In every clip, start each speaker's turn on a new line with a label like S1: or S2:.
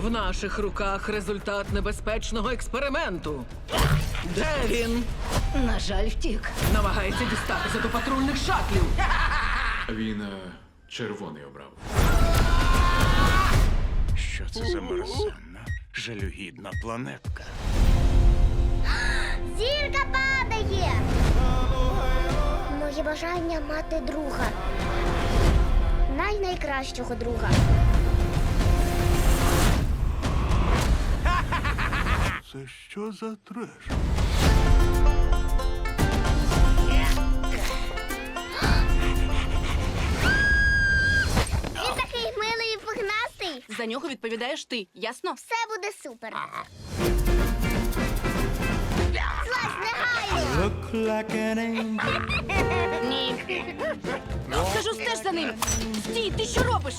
S1: В наших руках результат небезпечного експерименту. Де він?
S2: На жаль, втік.
S1: Намагається дістатися до патрульних шатлів.
S3: Він червоний обрав.
S4: Що це за мерзенна, жалюгідна планетка?
S5: Зірка падає! Моє бажання мати друга. Найкращого друга.
S4: Це що за треш?
S5: Він такий милий і пухнастий.
S2: За нього відповідаєш ти, ясно?
S5: Все буде супер. Злазь негайно!
S2: Ні. Кажу, стеж за ним. Стій, ти що робиш?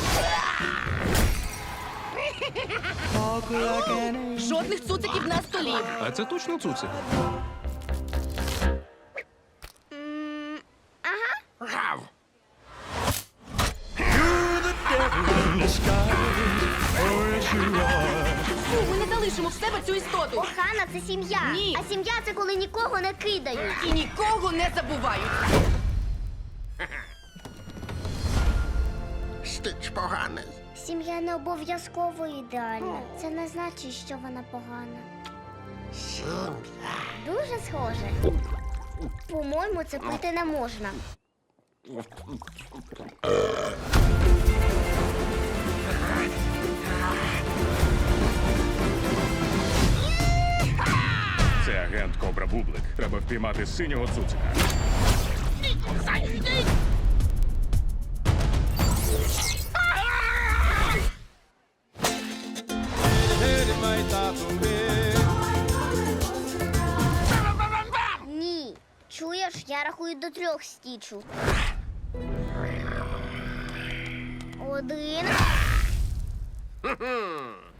S2: Жодних цуциків на столі.
S6: А це точно цуцик?
S2: Фу, ми не залишимо в себе цю істоту.
S5: Охана – це сім'я.
S2: Ні.
S5: А сім'я – це коли нікого не кидають.
S2: І нікого не забувають.
S7: Стич поганий.
S5: Сім'я не обов'язково ідеальна. Це не значить, що вона погана.
S7: Сім'я.
S5: Дуже схоже. По-моєму, це пити не можна.
S4: Це агент Кобра Бублик. Треба впіймати синього цуцика.
S5: Ні. Чуєш, я рахую до 3 стічу. 1.